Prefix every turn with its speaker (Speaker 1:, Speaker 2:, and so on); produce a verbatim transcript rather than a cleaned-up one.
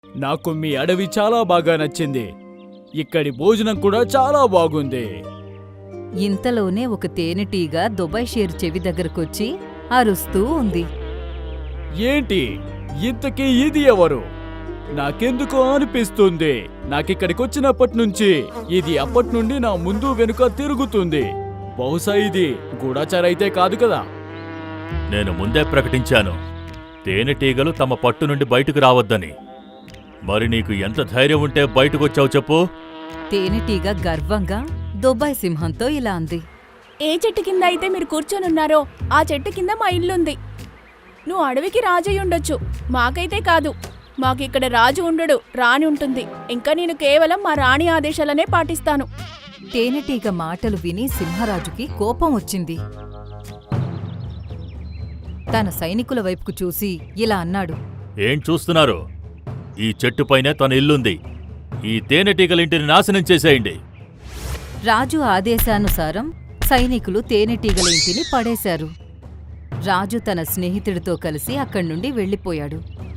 Speaker 1: నాకు మీ అడవి చాలా బాగా నచ్చింది. ఇక్కడి భోజనం కూడా చాలా బాగుంది.
Speaker 2: ఇంతలోనే ఒక తేనెటీగ దుబాయ్ షేర్ చెవి దగ్గరకొచ్చి అరుస్తూ ఉంది.
Speaker 1: ఏంటి ఇంతకీ ఇది ఎవరు? నాకెందుకో అనిపిస్తుంది నాకిక్కడికొచ్చినప్పటి నుంచి ఇది అప్పటి నుండి నా ముందు వెనుక తిరుగుతుంది. బహుశా ఇది గూఢచారైతే కాదు కదా?
Speaker 3: నేను ముందే ప్రకటించాను తేనెటీగలు తమ పట్టు నుండి బయటకు రావద్దని. మరి నీకు ఎంత ధైర్యం ఉంటే బయటకొచ్చావు చెప్పు?
Speaker 2: తేనెటీగ గర్వంగా దుబాయ్ సింహంతో ఇలా అంది.
Speaker 4: ఏ చెట్టు కింద అయితే మీరు కూర్చొనున్నారో ఆ చెట్టు కింద మా ఇల్లుంది. నువ్వు అడవికి రాజు ఉండొచ్చు, మాకైతే కాదు. మాకిక్కడ రాజు ఉండడు, రాణి ఉంటుంది. ఇంకా నేను కేవలం మా రాణి ఆదేశాలనే పాటిస్తాను.
Speaker 2: తేనెటీగ మాటలు విని సింహరాజుకి కోపం వచ్చింది. తన సైనికుల వైపుకు చూసి ఇలా అన్నాడు.
Speaker 3: ఏం చూస్తున్నారు? ఈ చెట్టుపైనే తన ఇల్లుంది. ఈ తేనెటీగలింటిని నాశనం చేసేయండి.
Speaker 2: రాజు ఆదేశానుసారం సైనికులు తేనెటీగల ఇంటిని పడేశారు. రాజు తన స్నేహితుడితో కలిసి అక్కడ్నుండి వెళ్ళిపోయాడు.